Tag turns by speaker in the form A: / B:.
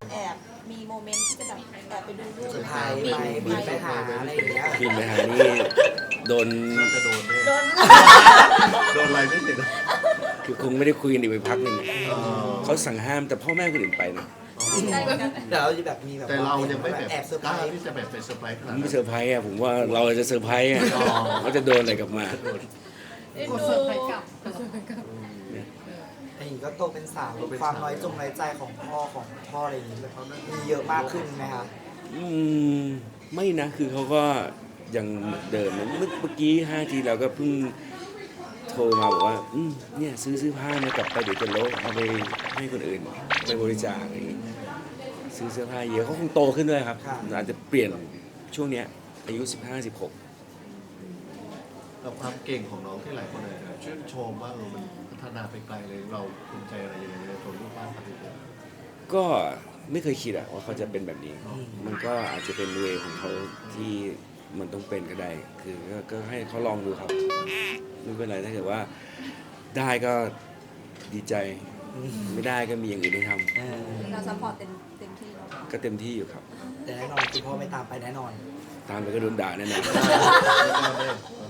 A: แอบมีโมเมนต์ที่จะแบบแอบไปดูรูป
B: สุดท้ายไปบินไปหาอะไรอย่างเงี้ย
C: บินไปหานี่โดน
D: น่าจะโดนแน่
A: โดน
D: โดนอะไรไม่ติด
C: คือคงไม่ได้คุยกันอีกไปพักหนึ่ง
D: อ๋อ
C: เขาสั่งห้ามแต่พ่อแม่คนอื่นไปนะ
A: ได้เหมือนกัน
B: เดี๋ยวเราจะแบบมีแบบ
D: แต่เรายังไม่แบบ
B: แอบเซอร์ไพ
D: ก
B: ร
D: ล้า
B: ส์
D: ที่จะแบบไปเซอร์ไพรส์ข
C: ผ
D: นาด
C: ม
D: นั้
C: ไม่
D: น
C: เซอร์ไพรส์อ่ะผมว่าเราจะเซอร์ไพรส์อ่ะ
D: อ๋อ
C: เขาจะโดนอะไรกลับมา
A: เอ็น
E: กด
A: ดู
E: เสิร์ฟไปกลับ
B: อันนี้ก็โตเป็นสาวความน้อยใจของพ่ออะไรอย่างงี้แบบมีเยอะมากขึ้นไหมคะ
C: อืมไม่นะคือเขาก็ยังเหมือนเดิมนะเมื่อกี้5 ทีเราก็เพิ่งโทรมาบอกว่าเนี่ยซื้อผ้ามากลับไปเดี๋ยวจะลบเอาไปให้คนอื่นไปบริจาคอะไรอย่างงี้ซื้อเสื้อผ้าเยอะเขาคงโตขึ้นด้วยครับอาจจะเปลี่ยนช่วงเนี้ยอายุ15-16
D: กับความเก่งของน้องที่หลายคนเลยชื่นชมว่ามันพัฒนาไปไกลเลยเราภูมิใจอะไรยังไงในตัวลูกบ้านครับพี่เต้
C: ก็ไม่เคยคิดอะว่าเขาจะเป็นแบบนี้ มันก็อาจจะเป็นเวของเขาที่มันต้องเป็นก็ได้ คือก็ให้เขาลองดูครับ ไม่เป็นไรถ้าเกิดว่าได้ก็ดีใจ ไม่ได้ก็มีอย่างอื่นให้ท
A: เราซัพพอร์ตเต็มที่แล้ว
C: ำก็เต็มที่อยู่ครับ
B: แต่แน่นอนคือพ่อไม่ตามไปแน่นอน
C: ตามไปก็โดนด่าแน่นอน
D: ไม่กล้าแน่